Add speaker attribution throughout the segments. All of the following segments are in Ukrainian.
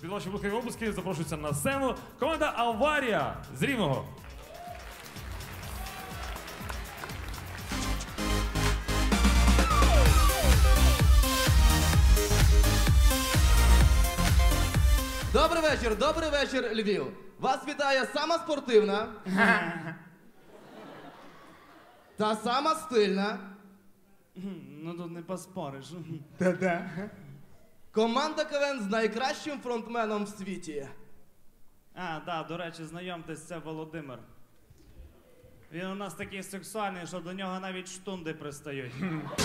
Speaker 1: Під ваші близькі обласки запрошується на сцену команда «Аварія» з Рівного.
Speaker 2: Добрий вечір, Львів. Вас вітає сама спортивна та сама стильна
Speaker 3: Ну тут не поспориш.
Speaker 2: команда КВН з найкращим фронтменом в світі.
Speaker 3: Да, до речі, знайомтесь, це Володимир. Він у нас такий сексуальний, що до нього навіть штунди пристають.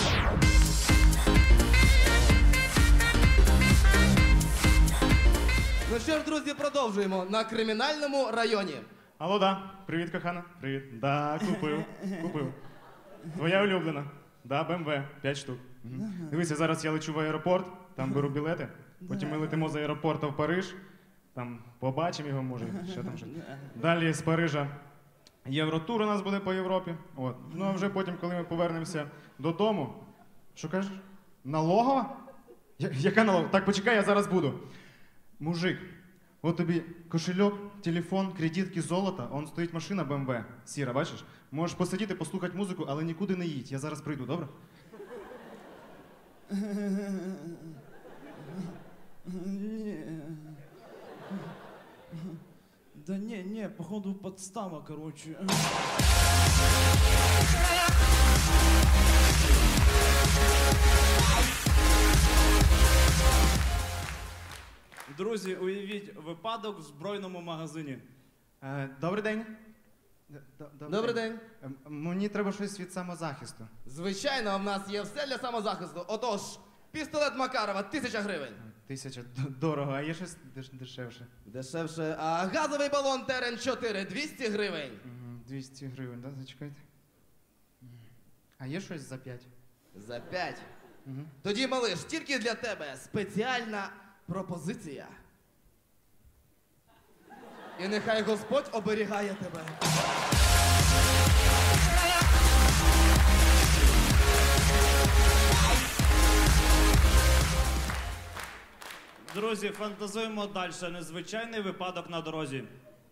Speaker 2: Ну що ж, друзі, продовжуємо на кримінальному районі.
Speaker 4: Алло, да. Привіт, кохана. Привіт. Да, купив. Твоя улюблена. Да, БМВ, 5 штук. Дивися, зараз я лечу в аеропорт, там беру білети, потім ми летимо з аеропорту в Париж, там побачимо його, може, що там ще. Далі з Парижа Євротур у нас буде по Європі. От. Ну а вже потім, коли ми повернемося додому, що кажеш? Налогова? Яка налогова? Так, почекай, я зараз буду. Мужик, от тобі кошельок, телефон, кредитки, золото, он стоїть машина БМВ, сіра, бачиш? Можеш посидіти, послухати музику, але нікуди не їдь, я зараз прийду, добре?
Speaker 3: Да не, походу подстава, короче. Друзі, уявіть випадок в збройному магазині.
Speaker 4: Добрий день.
Speaker 2: Добрий день.
Speaker 4: Мені треба щось від самозахисту.
Speaker 2: Звичайно, в нас є все для самозахисту. Отож, пістолет Макарова, 1000 гривень.
Speaker 4: 1000 дорого, а є щось дешевше?
Speaker 2: Дешевше. А газовий балон Терен-4, 200 гривень.
Speaker 4: 200 гривень, да? Зачекайте. А є щось за 5?
Speaker 2: За 5. Тоді, малиш, тільки для тебе спеціальна пропозиція. І нехай Господь оберігає тебе.
Speaker 3: Друзі, фантазуємо далі. Незвичайний випадок на дорозі.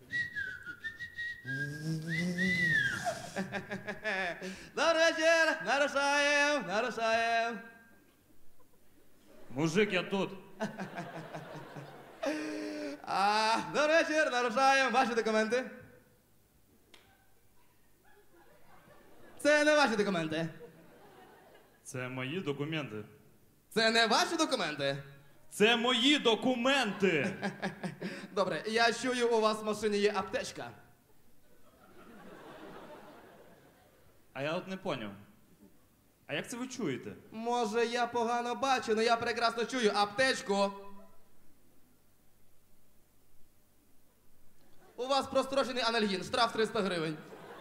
Speaker 2: Добрий вечір! Нарушаєм!
Speaker 3: Мужик, я тут.
Speaker 2: Добрий вечір, нарушаєм. Ваші документи? Це не ваші документи.
Speaker 3: Це мої документи.
Speaker 2: Це не ваші документи.
Speaker 3: Це мої документи!
Speaker 2: Добре, я чую, у вас в машині є аптечка.
Speaker 3: А я от не поняв. А як це ви чуєте?
Speaker 2: Може, я погано бачу, але я прекрасно чую аптечку. У вас прострочений анальгін, штраф 300 гривень.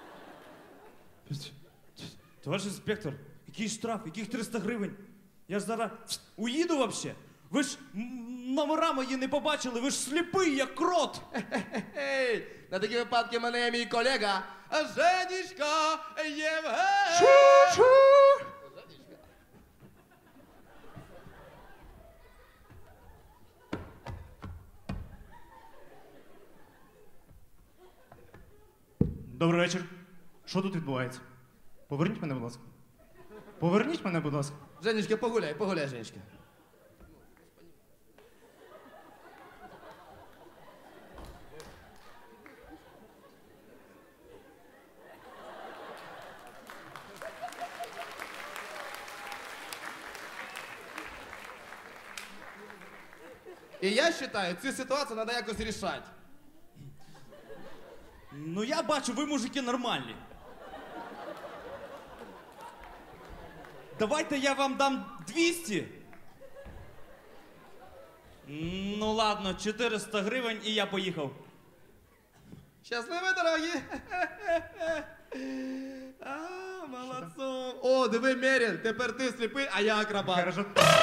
Speaker 3: Товариш інспектор, який штраф, яких 300 гривень? Я ж зараз уїду вообще. Ви ж номера мої не побачили, ви ж сліпий, як крот.
Speaker 2: Хе-хе-хей! На такі випадки мене є мій колега Женечка Євген.
Speaker 4: Добрий вечір. Що тут відбувається? Поверніть мене, будь ласка. Поверніть мене, будь ласка.
Speaker 2: Женечка, погуляй, Женечка. І я вважаю, цю ситуацію треба якось рішати.
Speaker 3: Ну я бачу, ви мужики нормальні. Давайте я вам дам 200. Ну ладно, 400 гривень і я поїхав.
Speaker 2: Щасливі дорогі! Молодцом! О, диви, Мерін, тепер ти сліпий, а я акробат.
Speaker 4: Хорошо.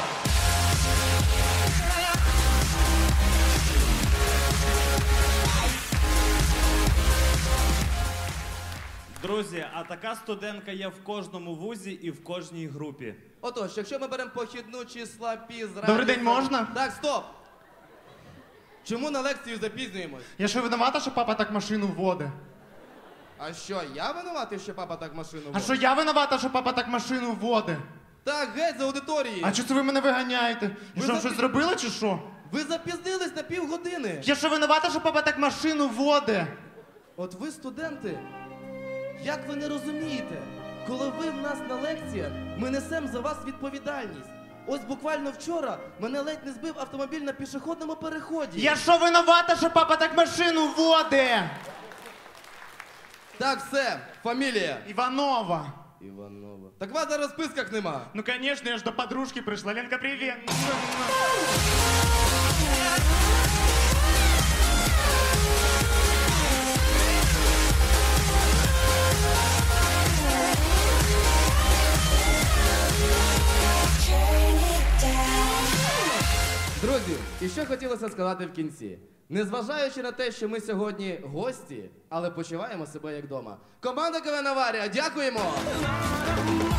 Speaker 3: Друзі, а така студентка є в кожному вузі і в кожній групі.
Speaker 2: Отож, якщо ми беремо похідну числа пі з
Speaker 4: Добрий день, можна?
Speaker 2: Так, стоп! Чому на лекцію запізнюємось?
Speaker 4: Я що винувата, що папа так машину водить?
Speaker 2: А що, я винуватий, що папа так машину
Speaker 4: А
Speaker 2: водить?
Speaker 4: що я винувата, що папа так машину водить?
Speaker 2: Так, геть з аудиторії!
Speaker 4: А чого це ви мене виганяєте? Я
Speaker 2: Ви
Speaker 4: що,
Speaker 2: запі-
Speaker 4: щось зробила чи що?
Speaker 2: Ви запізнились на півгодини!
Speaker 4: Я що винувата, що папа так машину водить?
Speaker 2: От ви, студенти, як ви не розумієте, коли ви в нас на лекціях, ми несемо за вас відповідальність. Ось буквально вчора мене ледь не збив автомобіль на пішохідному переході.
Speaker 4: Я що винувата, що папа так машину водить?
Speaker 2: Так, все, фамілія.
Speaker 4: Іванова.
Speaker 2: Іванова. Так вас зараз в списках нема.
Speaker 4: Ну, конечно, я ж до подружки прийшла. Ленка, привіт.
Speaker 2: Друзі, і що хотілося сказати в кінці. Незважаючи на те, що ми сьогодні гості, але почуваємо себе як вдома. Команда КВН Аварія, дякуємо!